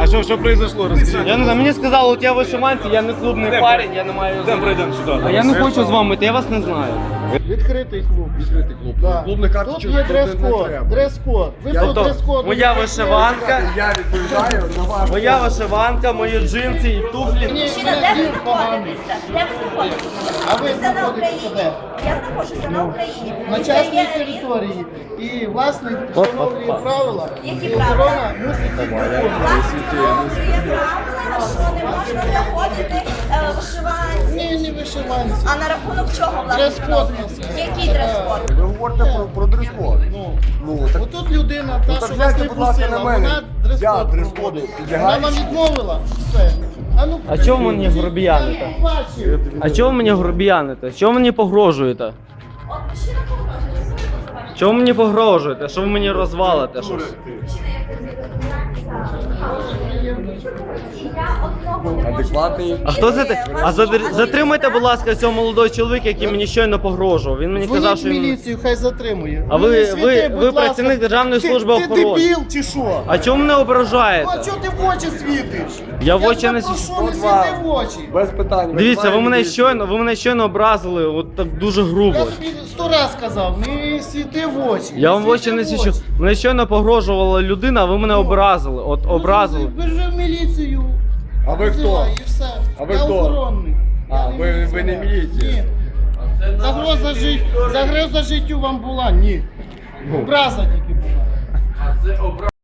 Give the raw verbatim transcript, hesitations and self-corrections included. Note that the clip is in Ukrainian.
А що, що произошло? Розкажіть. Я не знаю, мені сказали, от я вишиванці, я не клубний парень, я не маю... Йдемо пройдемо сюди. А я не хочу з вами йти, я вас не знаю. Відкритий клуб. Відкритий клуб. Да. Клубних Тут карточок є не дрес-код. треба. Дрес-код. Ви Я- по Тобто, дрес-коду. моя не вишиванка, Я відповідаю на ваш. моя вишиванка, мої джинси і туфлі. Ні, Мужчина, мене де ви дім поганий. знаходитеся? Де ви знаходитеся? А ви Це на знаходитеся Україні. де? Я знаходжуся на Україні. На І частній це є території. І власник встановлює правила. Які І правила? охорона мусить їх виконувати. власне встановлює правила, що не можна заходити е, вишиванці. Ні, не вишиванці. А на рахунок чого власне Дрес-код встановлює? у нас є. Який дрес-код? Ви говорите про, про дрес-код. Ну, Ну, так, отут людина, та, ну, так що вас гляньте, не будь ласка, пустила, на мене. вона Я дрес-код дрес-коду проводить. підлягаю. Вона вам відмовила. Все. А, ну, А чого ви мені грубіяните? я не бачив. А чого ви мені грубіяните? Чого ви мені погрожуєте? От мужчина погрожує. Чого ви мені погрожуєте? Що ви мені розвалите щось? адекватний. А хто це? ти- А задр- затримайте, будь ласка, цього молодого чоловіка, який мені щойно погрожував. Він мені казав, Дзвоніть що в він... міліцію, хай затримує. А ви- не ви- світи, ви будь ласка. працівник Державної Ти- служби охорони. Ти дебіл чи що? А чому мене Ну, ображаєте? а чого ти в очі світиш? Я в очі тебе не прошу, свічу. не От світи вам. в очі. Без питань. Дивіться, ви мене Визиваємо щойно, ви мене щойно образили, от так дуже грубо. Я тобі сто раз казав, не світи в очі. Я вам в очі світи не в свічу. очі. Мене щойно погрожувала людина, а ви мене образили. От Ну, образили. Бежи в міліцію. А ви хто? Визивай, І все. А ви Я хто? охоронний. А, Я не ви- ви не міліціонер. міліція? Ні. Загроза, жит... Загроза життю вам була? Ні. Образа тільки була.